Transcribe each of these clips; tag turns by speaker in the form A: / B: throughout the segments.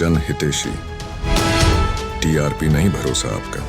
A: जन हितेशी। टीआरपी नहीं भरोसा आपका।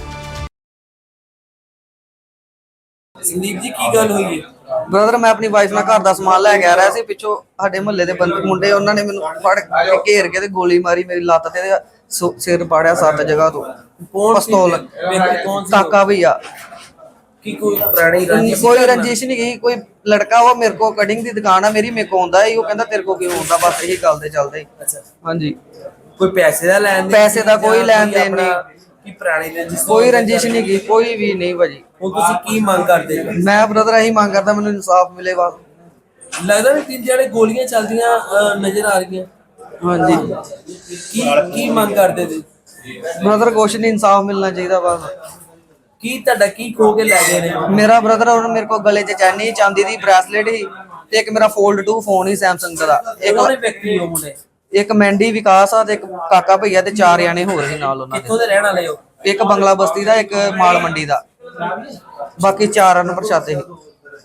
B: ਸੰਦੀਪ ਜੀ ਕੀ ਗੱਲ ਹੋਈ ਹੈ?
C: ਬ੍ਰਦਰ ਮੈਂ ਆਪਣੀ ਵਾਈਫ ਨਾਲ ਘਰ ਦਾ ਸਮਾਨ ਲੈ ਕੇ ਆ ਰਿਹਾ ਸੀ। ਪਿੱਛੋਂ ਸਾਡੇ ਮੁਹੱਲੇ ਦੇ ਮੁੰਡੇ ਉਹਨਾਂ ਨੇ ਮੈਨੂੰ ਫੜ ਕੇ ਘੇਰ ਕੇ ਤੇ ਗੋਲੀ ਮਾਰੀ ਮੇਰੀ ਲੱਤ ਤੇ ਸਿਰ ਪਾੜਿਆ 7 ਜਗ੍ਹਾ ਤੋਂ।
B: ਕੌਣ ਸੀ
C: ਪਿਸਤੌਲ
B: ਵਿਅਕਤੀ? ਕੌਣ ਸੀ
C: ਤਾਕਾ ਭਈਆ।
B: ਕੀ ਕੋਈ ਪੁਰਾਣੀ ਰੰਜਿਸ਼?
C: ਕੋਈ ਰੰਜਿਸ਼ ਨਹੀਂ ਗਈ। ਕੋਈ ਲੜਕਾ ਉਹ ਮੇਰੇ ਕੋ ਕਟਿੰਗ ਦੀ ਦੁਕਾਨ ਆ ਮੇਰੀ, ਮੇਰੇ ਕੋ ਆਉਂਦਾ ਹੀ ਉਹ ਕਹਿੰਦਾ ਤੇਰੇ ਕੋ ਕਿਉਂ ਆਉਂਦਾ, ਬਸ ਇਹੀ ਗੱਲ ਤੇ ਚੱਲਦੇ।
B: ਅੱਛਾ,
C: ਹਾਂਜੀ
B: ਕੋਈ ਪੈਸੇ ਦਾ ਲੈਣ ਦੇਣ?
C: ਪੈਸੇ ਦਾ ਕੋਈ ਲੈਣ ਦੇਣ ਨਹੀਂ।
B: ਕੀ ਪੁਰਾਣੀ ਰੰਜਿਸ਼?
C: ਕੋਈ ਰੰਜਿਸ਼ ਨਹੀਂ ਗਈ, ਕੋਈ ਵੀ ਨਹੀਂ ਭਾਜੀ।
B: ਹੁਣ ਤੁਸੀਂ ਕੀ ਮੰਗ ਕਰਦੇ ਹੋ?
C: ਮੈਂ ਬ੍ਰਦਰ ਇਹੀ ਮੰਗ ਕਰਦਾ ਮੈਨੂੰ ਇਨਸਾਫ ਮਿਲੇ ਬਸ।
B: ਲੱਗਦਾ ਵੀ 3 ਜਿਹੜੇ ਗੋਲੀਆਂ ਚੱਲਦੀਆਂ ਨਜ਼ਰ ਆ ਰਹੀਆਂ।
C: ਹਾਂਜੀ
B: ਕੀ ਮੰਗ ਕਰਦੇ ਤੁਸੀਂ?
C: ਬ੍ਰਦਰ ਕੁਛ ਨਹੀਂ, ਇਨਸਾਫ ਮਿਲਣਾ ਚਾਹੀਦਾ ਬਸ।
B: ਕੀ ਤੁਹਾਡਾ ਕੀ ਖੋ ਕੇ ਲੈ ਗਏ ਨੇ?
C: ਮੇਰਾ ਬ੍ਰਦਰ ਉਹ ਮੇਰੇ ਕੋਲ ਗਲੇ 'ਚ ਚੈਨੀ ਚਾਂਦੀ ਦੀ ਬ੍ਰੈਸਲੇਟ ਸੀ ਤੇ ਇੱਕ ਮੇਰਾ ਫੋਲਡ 2 ਫੋਨ ਹੀ ਸੈਮਸੰਗ ਦਾ।
B: ਉਹਨੇ ਵਿਅਕਤੀ ਹੋ ਮੁੰਡੇ?
C: ਇੱਕ ਮੈਂਡੀ ਵਿਕਾਸ ਆ ਤੇ ਇੱਕ ਕਾਕਾ ਭਈਆ ਤੇ 4 ਜਾਣੇ ਹੋਰ ਸੀ ਨਾਲ ਉਹਨਾਂ
B: ਕਿੱਥੋਂ
C: ਦੇ।
B: ਦੇ ਰਹਿਣ ਵਾਲੇ ਹੋ?
C: ਇੱਕ ਬੰਗਲਾ ਬਸਤੀ ਦਾ, ਇੱਕ ਮਾਲ ਮੰਡੀ ਦਾ, ਬਾਕੀ 4 ਅਨਪਛਾਤੇ ਸੀ।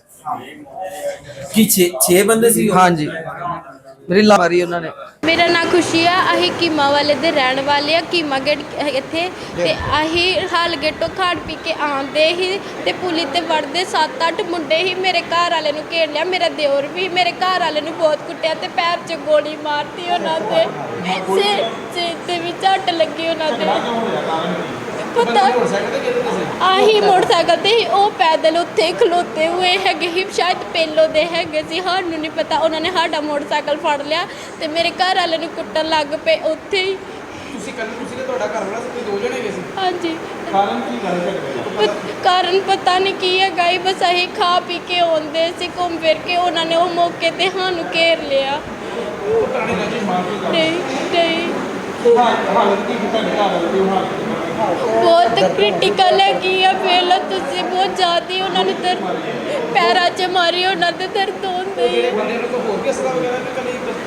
B: ਕੀ 6 ਬੰਦੇ ਸੀ?
C: ਹਾਂਜੀ ਮੇਰੀ ਲਾ ਮਾਰੀ ਉਹਨਾਂ ਨੇ।
D: ਮੇਰਾ ਨਾਂ ਖੁਸ਼ੀ ਆ। ਅਸੀਂ ਕੀਮਾ ਵਾਲੇ ਦੇ ਰਹਿਣ ਵਾਲੇ ਆ। ਕੀਮਾ ਗੇਟ ਇੱਥੇ ਤੇ ਅਸੀਂ ਹਾਲ ਗੇਟੋਂ ਖਾਣ ਪੀ ਕੇ ਆਉਂਦੇ ਹੀ ਤੇ ਪੁਲੀ ਤੇ ਵੜਦੇ 7-8 ਮੁੰਡੇ ਹੀ ਮੇਰੇ ਘਰ ਵਾਲੇ ਨੂੰ ਘੇਰ ਲਿਆ। ਮੇਰਾ ਦਿਓਰ ਵੀ ਮੇਰੇ ਘਰ ਵਾਲੇ ਨੂੰ ਬਹੁਤ ਕੁੱਟਿਆ ਤੇ ਪੈਰ 'ਚ ਗੋਲੀ ਮਾਰਤੀ ਉਹਨਾਂ ਦੇ, ਸਿਰ ਤੇ ਵੀ ਝੱਟ ਲੱਗੀ ਉਹਨਾਂ ਦੇ। ਪਤਾ ਆਹੀ ਮੋਟਰਸਾਈਕਲ ਤੇ ਹੀ ਉਹ ਪੈਦਲ ਉੱਥੇ ਖਲੋਤੇ ਹੋਏ ਹੈਗੇ ਹੀ, ਸ਼ਾਇਦ ਪਹਿਲੋਂ ਦੇ ਹੈਗੇ ਸੀ, ਸਾਨੂੰ ਨਹੀਂ ਪਤਾ। ਉਹਨਾਂ ਨੇ ਸਾਡਾ ਮੋਟਰਸਾਈਕਲ ਫੜ ਲਿਆ ਤੇ ਮੇਰੇ ਘਰ ਵਾਲੇ ਨੂੰ ਕੁੱਟਣ ਲੱਗ ਪਏ ਉੱਥੇ ਹੀ।
E: ਤੁਸੀਂ ਤੇ ਤੁਹਾਡਾ ਘਰ ਵਾਲਾ ਸੀ, 2 ਜਣੇ ਗਏ ਸੀ?
D: ਹਾਂਜੀ।
E: ਕਾਰਨ ਕੀ ਗੱਲ?
D: ਕਾਰਨ ਪਤਾ ਨਹੀਂ ਕੀ ਹੈਗਾ ਹੀ, ਬਸ ਅਸੀਂ ਖਾ ਪੀ ਕੇ ਆਉਂਦੇ ਸੀ ਘੁੰਮ ਫਿਰ ਕੇ। ਉਹਨਾਂ ਨੇ ਉਹ ਮੌਕੇ ਤੇ ਸਾਨੂੰ ਘੇਰ ਲਿਆ।
E: ਪੁਰਾਣੀ ਰੰਜਿਸ਼ ਮਾਰ ਕੇ
D: ਨਹੀਂ
E: ਹਾਲਤ ਕੀ ਤੁਹਾਡੇ ਘਰ ਵਾਲੇ ਦੀ ਹਾਲਤ?
D: ਬਹੁਤ ਕ੍ਰਿਟੀਕਲ ਹੈਗੀ ਆ। ਪਹਿਲਾਂ ਤੁਸੀਂ ਬਹੁਤ ਜ਼ਿਆਦਾ ਉਹਨਾਂ ਨੂੰ ਪੈਰਾਂ 'ਚ ਮਾਰੀ, ਉਹਨਾਂ ਦੇ ਦਰਦ ਹੁੰਦੇ ਹੀ।
E: ਬੰਦੇ ਨੂੰ ਕੋਈ ਹੋਰ ਕਿਸ ਤਰ੍ਹਾਂ ਵਗੈਰਾ ਨਿਕਲੀ?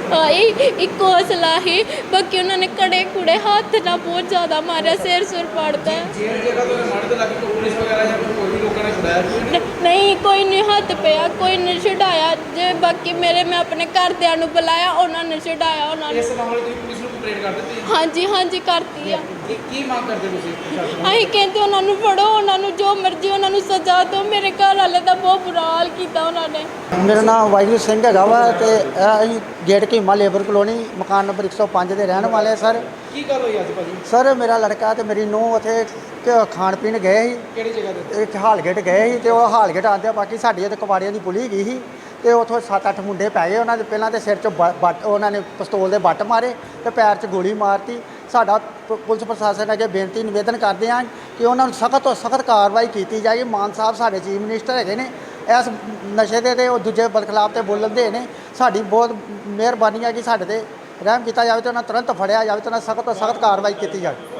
D: ਇੱਕ ਹੌਸਲਾ ਹੀ, ਬਾਕੀ ਉਹਨਾਂ ਨੇ ਕੜੇ ਕੁੜੇ ਹੱਥ ਨਾਲ ਬਹੁਤ ਜ਼ਿਆਦਾ ਮਾਰਿਆ, ਸਿਰ ਸੁਰ ਪੜਦਾ।
E: ਜੇਲ੍ਹ ਜਗ੍ਹਾ ਤੋਂ ਮਾਰ ਤੇ ਲੱਗ ਕੇ ਪੁਲਿਸ ਵਗੈਰਾ ਜਾਂ ਕੋਈ ਵੀ ਲੋਕਾਂ ਨੇ ਛੁਡਾਇਆ?
D: ਨਹੀਂ ਕੋਈ ਨਹੀਂ ਹੱਥ ਪਿਆ, ਕੋਈ ਨਹੀਂ ਛਡਾਇਆ ਜੇ। ਬਾਕੀ ਮੈਂ ਆਪਣੇ ਘਰਦਿਆਂ ਨੂੰ ਬੁਲਾਇਆ, ਉਹਨਾਂ ਨੇ ਛਡਾਇਆ ਉਹਨਾਂ
E: ਇਸ
D: ਨੂੰ।
E: ਮਾਮਲੇ ਦੀ ਪੁਲਿਸ ਨੂੰ ਕੰਪਲੇਂਟ ਕਰ ਦਿੱਤੀ?
D: ਹਾਂਜੀ ਕਰਤੀ ਆ।
E: ਕੀ ਮੰਗ ਕਰਦੇ ਤੁਸੀਂ?
D: ਅਸੀਂ ਕਹਿੰਦੇ ਉਹਨਾਂ ਨੂੰ ਫੜੋ, ਉਹਨਾਂ ਨੂੰ ਜੋ ਮਰਜ਼ੀ ਉਹਨਾਂ ਨੂੰ ਸਜ਼ਾ ਦਿਓ। ਮੇਰੇ ਘਰ ਵਾਲੇ ਦਾ ਬਹੁਤ ਬੁਰਾ ਹਾਲ ਕੀਤਾ ਉਹਨਾਂ ਨੇ।
F: ਮੇਰਾ ਨਾਮ ਵਾਹਿਗੁਰੂ ਸਿੰਘ ਹੈਗਾ ਵਾ ਤੇ ਅਸੀਂ ਗੇਟ ਕੀਮਾ ਲੇਬਰ ਕਲੋਨੀ ਮਕਾਨ ਨੰਬਰ 105 ਦੇ ਰਹਿਣ ਵਾਲੇ। ਸਰ
E: ਕੀ ਗੱਲ ਹੋਈ ਅੱਜ ਭਾਜੀ?
F: ਸਰ ਮੇਰਾ ਲੜਕਾ ਤੇ ਮੇਰੀ ਨੂੰਹ ਉੱਥੇ ਖਾਣ ਪੀਣ ਗਏ ਸੀ।
E: ਕਿਹੜੀ ਜਗ੍ਹਾ ਤੇ?
F: ਇੱਕ ਹਾਲਗੇਟ ਗਏ ਸੀ ਤੇ ਉਹ ਹਾਲਗੇਟ ਆਉਂਦੇ ਬਾਕੀ ਸਾਡੀ ਤੇ ਕਵਾੜੀਆਂ ਦੀ ਪੁਲੀ ਗਈ ਸੀ ਤੇ ਉੱਥੋਂ 7-8 ਮੁੰਡੇ ਪੈ ਗਏ। ਉਹਨਾਂ ਦੇ ਪਹਿਲਾਂ ਤੇ ਸਿਰ 'ਚ ਬੱਟ ਉਹਨਾਂ ਨੇ ਪਿਸਤੌਲ ਦੇ ਬੱਟ ਮਾਰੇ ਤੇ ਪੈਰ 'ਚ ਗੋਲੀ ਮਾਰਤੀ। ਸਾਡਾ ਪੁਲਿਸ ਪ੍ਰਸ਼ਾਸਨ ਅੱਗੇ ਬੇਨਤੀ ਨਿਵੇਦਨ ਕਰਦੇ ਹਾਂ ਕਿ ਉਹਨਾਂ ਨੂੰ ਸਖਤ ਤੋਂ ਸਖਤ ਕਾਰਵਾਈ ਕੀਤੀ ਜਾਏ। ਮਾਨ ਸਾਹਿਬ ਸਾਡੇ ਚੀਫ ਮਿਨਿਸਟਰ ਹੈਗੇ ਨੇ, ਇਸ ਨਸ਼ੇ ਦੇ ਤੇ ਉਹ ਦੂਜੇ ਬਦਖਲਾਫ ਤੇ ਬੋਲਣ ਦੇ ਨੇ। ਸਾਡੀ ਬਹੁਤ ਮਿਹਰਬਾਨੀ ਹੈ ਕਿ ਸਾਡੇ ਤੇ ਰਹਿਮ ਕੀਤਾ ਜਾਵੇ ਤੇ ਉਹਨਾਂ ਤੁਰੰਤ ਫੜਿਆ ਜਾਵੇ ਤੇ ਉਹਨਾਂ ਸਖਤ ਤੋਂ ਸਖਤ ਕਾਰਵਾਈ ਕੀਤੀ ਜਾਵੇ।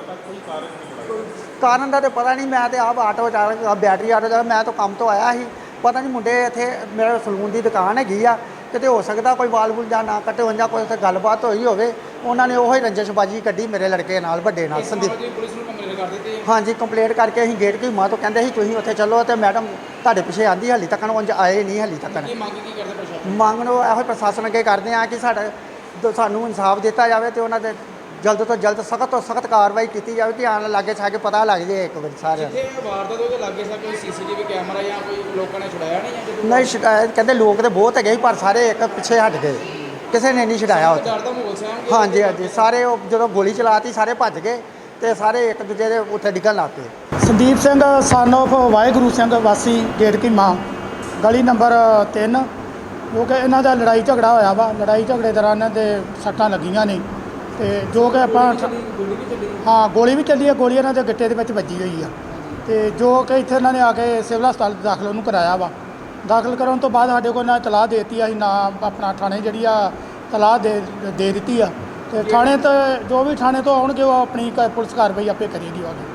F: ਕਾਰਨ ਦਾ ਤਾਂ ਪਤਾ ਨਹੀਂ। ਮੈਂ ਤੇ ਆਪ ਆਟੋ ਚਾਲਕ, ਬੈਟਰੀ ਆਟੋ ਚਾਲਕ, ਮੈਂ ਤਾਂ ਕੰਮ ਤੋਂ ਆਇਆ ਸੀ। ਪਤਾ ਨਹੀਂ ਮੁੰਡੇ ਇੱਥੇ ਮੇਰੇ ਸਲੂਨ ਦੀ ਦੁਕਾਨ ਹੈਗੀ ਆ, ਕਿਤੇ ਹੋ ਸਕਦਾ ਕੋਈ ਵਾਲ ਵੂਲ ਜਾਂ ਨਾ ਕੱਟੇ ਹੋਣ ਜਾਂ ਕੋਈ ਉੱਥੇ ਗੱਲਬਾਤ ਹੋਈ ਹੋਵੇ। ਉਹਨਾਂ ਨੇ ਉਹੀ ਰੰਜਿਸ਼ਬਾਜੀ ਕੱਢੀ ਮੇਰੇ ਲੜਕੇ ਨਾਲ, ਵੱਡੇ ਨਾਲ, ਸੰਦੀਪ।
E: ਪੁਲਿਸ ਨੂੰ ਕੰਪਲੇਂਟ ਕਰ ਦਿੱਤੀ?
F: ਹਾਂਜੀ ਕੰਪਲੇਂਟ ਕਰਕੇ ਅਸੀਂ ਗੇਟ ਕੀਮਾ ਤੋਂ ਕਹਿੰਦੇ ਸੀ ਤੁਸੀਂ ਉੱਥੇ ਚੱਲੋ ਤੇ ਮੈਡਮ ਤੁਹਾਡੇ ਪਿੱਛੇ ਆਂਦੀ, ਹਾਲੀ ਤੱਕ ਉਂਝ ਆਏ ਨਹੀਂ। ਹਾਲੀ ਤੱਕ
E: ਕੀ ਮੰਗ ਕੀ ਕਰਦੇ ਪ੍ਰਸ਼ਾਸਨ?
F: ਮੰਗ ਨੂੰ ਇਹੋ ਪ੍ਰਸ਼ਾਸਨ ਅੱਗੇ ਕਰਦੇ ਆ ਕਿ ਸਾਨੂੰ ਇਨਸਾਫ ਦਿੱਤਾ ਜਾਵੇ ਤੇ ਉਹਨਾਂ ਦੇ ਜਲਦ ਤੋਂ ਜਲਦ ਸਖਤ ਤੋਂ ਸਖਤ ਕਾਰਵਾਈ ਕੀਤੀ ਜਾਵੇ ਕਿ ਆਉਣ ਲਾਗੇ ਛਾ ਕੇ ਪਤਾ ਲੱਗ ਜਾਏ ਇੱਕ ਵਾਰੀ ਸਾਰਿਆਂ ਨੂੰ।
E: ਜਿੱਥੇ ਵਾਰਦਾਤ ਉਹਦੇ ਲਾਗੇ ਸਾ ਕੋਈ ਸੀਸੀਟੀਵੀ ਕੈਮਰਾ ਜਾਂ ਕੋਈ ਲੋਕਾਂ ਨੇ ਛੁਡਾਇਆ ਨਹੀਂ? ਜਾਂ
F: ਨਹੀਂ ਸ਼ਿਕਾਇਤ ਕਹਿੰਦੇ ਲੋਕ ਤੇ ਬਹੁਤ ਹੈਗੇ ਸੀ ਪਰ ਸਾਰੇ ਇੱਕ ਪਿੱਛੇ ਹਟ ਗਏ, ਕਿਸੇ ਨੇ ਨਹੀਂ ਛਡਾਇਆ ਉੱਥੇ।
E: ਡਰ ਦਾ ਮਾਹੌਲ ਸੀ?
F: ਹਾਂਜੀ ਸਾਰੇ ਉਹ ਜਦੋਂ ਗੋਲੀ ਚਲਾਤੀ ਸਾਰੇ ਭੱਜ ਗਏ ਤੇ ਸਾਰੇ ਇੱਕ ਦੂਜੇ ਦੇ ਉੱਥੇ ਡਿੱਗਣ ਲੱਗ ਪਏ।
G: ਸੰਦੀਪ ਸਿੰਘ ਸਨ ਆਫ ਵਾਹਿਗੁਰੂ ਸਿੰਘ ਵਾਸੀ ਗੇਟ ਕੀਮਾ ਗਲੀ ਨੰਬਰ 3, ਜੋ ਕਿ ਇਹਨਾਂ ਦਾ ਲੜਾਈ ਝਗੜਾ ਹੋਇਆ ਵਾ। ਲੜਾਈ ਝਗੜੇ ਦੌਰਾਨ ਇਹਨਾਂ ਦੇ ਸੱਟਾਂ ਲੱਗੀਆਂ ਨੇ ਤੇ ਜੋ ਕਿ ਆਪਾਂ ਹਾਂ ਗੋਲੀ ਵੀ ਚੱਲੀ ਹੈ। ਗੋਲੀ ਇਹਨਾਂ ਦੇ ਗਿੱਟੇ ਦੇ ਵਿੱਚ ਵੱਜੀ ਹੋਈ ਆ ਤੇ ਜੋ ਕਿ ਇੱਥੇ ਇਹਨਾਂ ਨੇ ਆ ਕੇ ਸਿਵਲ ਹਸਪਤਾਲ ਦਾਖਲ ਉਹਨੂੰ ਕਰਾਇਆ ਵਾ। ਦਾਖਲ ਕਰਾਉਣ ਤੋਂ ਬਾਅਦ ਸਾਡੇ ਕੋਲ ਨਾ ਤਲਾਹ ਦੇ ਦਿੱਤੀ, ਅਸੀਂ ਨਾ ਆਪਣਾ ਥਾਣੇ ਜਿਹੜੀ ਆ ਤਲਾਹ ਦੇ ਦਿੱਤੀ ਆ ਤੇ ਥਾਣੇ ਤੋਂ ਜੋ ਵੀ ਥਾਣੇ ਤੋਂ ਆਉਣਗੇ ਉਹ ਆਪਣੀ ਪੁਲਿਸ ਕਾਰਵਾਈ ਆਪੇ ਕਰੇਗੀ।